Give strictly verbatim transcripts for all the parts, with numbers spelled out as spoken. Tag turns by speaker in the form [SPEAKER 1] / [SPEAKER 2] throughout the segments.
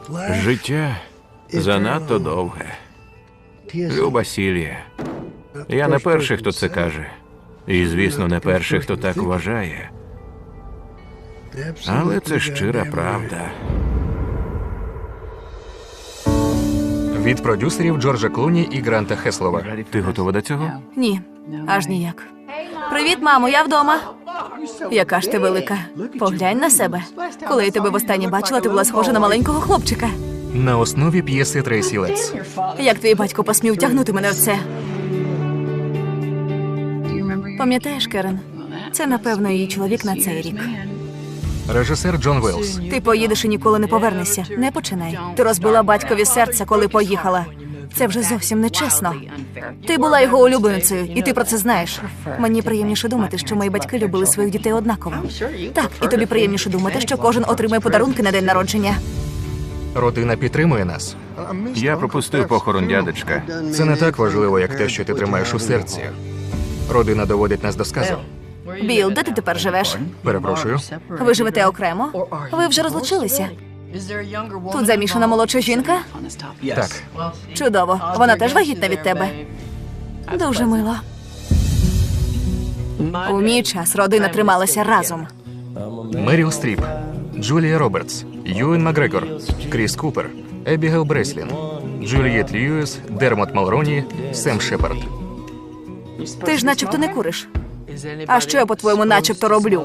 [SPEAKER 1] Життя занадто довге. Люба Сільє. Я не перший, хто це каже. І, звісно, не перший, хто так вважає. Але це щира правда.
[SPEAKER 2] Від продюсерів Джорджа Клуні і Гранта Хеслова.
[SPEAKER 1] Ти готова до цього?
[SPEAKER 3] Ні, аж ніяк. Привіт, мамо, я вдома. Яка ж ти велика. Поглянь на себе. Коли я тебе востаннє бачила, ти була схожа на маленького хлопчика.
[SPEAKER 2] На основі п'єси Трейсі Летс.
[SPEAKER 3] Як твій батько посмів втягнути мене в це? Пам'ятаєш, Керен? Це, напевно, її чоловік на цей рік.
[SPEAKER 2] Режисер Джон Велс.
[SPEAKER 3] Ти поїдеш і ніколи не повернешся. Не починай. Ти розбила батькові серце, коли поїхала. Це вже зовсім нечесно. Ти була його улюбленицею, і ти про це знаєш. Мені приємніше думати, що мої батьки любили своїх дітей однаково. Так, і тобі приємніше думати, що кожен отримує подарунки на день народження.
[SPEAKER 2] Родина підтримує нас.
[SPEAKER 1] Я пропустив похорон дядечка.
[SPEAKER 2] Це не так важливо, як те, що ти тримаєш у серці. Родина доводить нас до сказу.
[SPEAKER 3] Біл, де ти тепер живеш?
[SPEAKER 2] Перепрошую.
[SPEAKER 3] Ви живете окремо? Ви вже розлучилися? Тут замішана молодша жінка?
[SPEAKER 2] Так.
[SPEAKER 3] Чудово. Вона теж вагітна від тебе? Дуже мило. У мій час родина трималася разом.
[SPEAKER 2] Меріл Стріп, Джулія Робертс, Юен Макгрегор, Кріс Купер, Ебігейл Бреслін, Джулієт Льюіс, Дермот Малроні, Сем Шепард.
[SPEAKER 3] Ти ж начебто не куриш. А що я, по-твоєму, начебто роблю?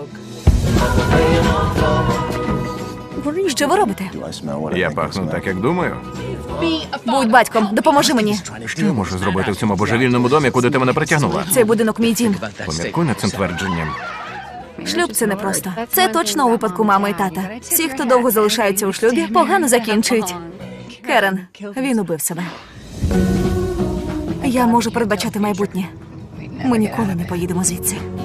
[SPEAKER 3] Що ви робите?
[SPEAKER 1] Я пахну так, як думаю.
[SPEAKER 3] Будь батьком, допоможи мені.
[SPEAKER 1] Що я можу зробити в цьому божевільному домі, куди ти мене притягнула?
[SPEAKER 3] Цей будинок мій дім.
[SPEAKER 1] Поміркуй над цим твердженням.
[SPEAKER 3] Шлюб – це непросто. Це точно у випадку мами і тата. Всі, хто довго залишаються у шлюбі, погано закінчують. Керен, він убив себе. Я можу передбачати майбутнє. Ми ніколи не поїдемо звідси.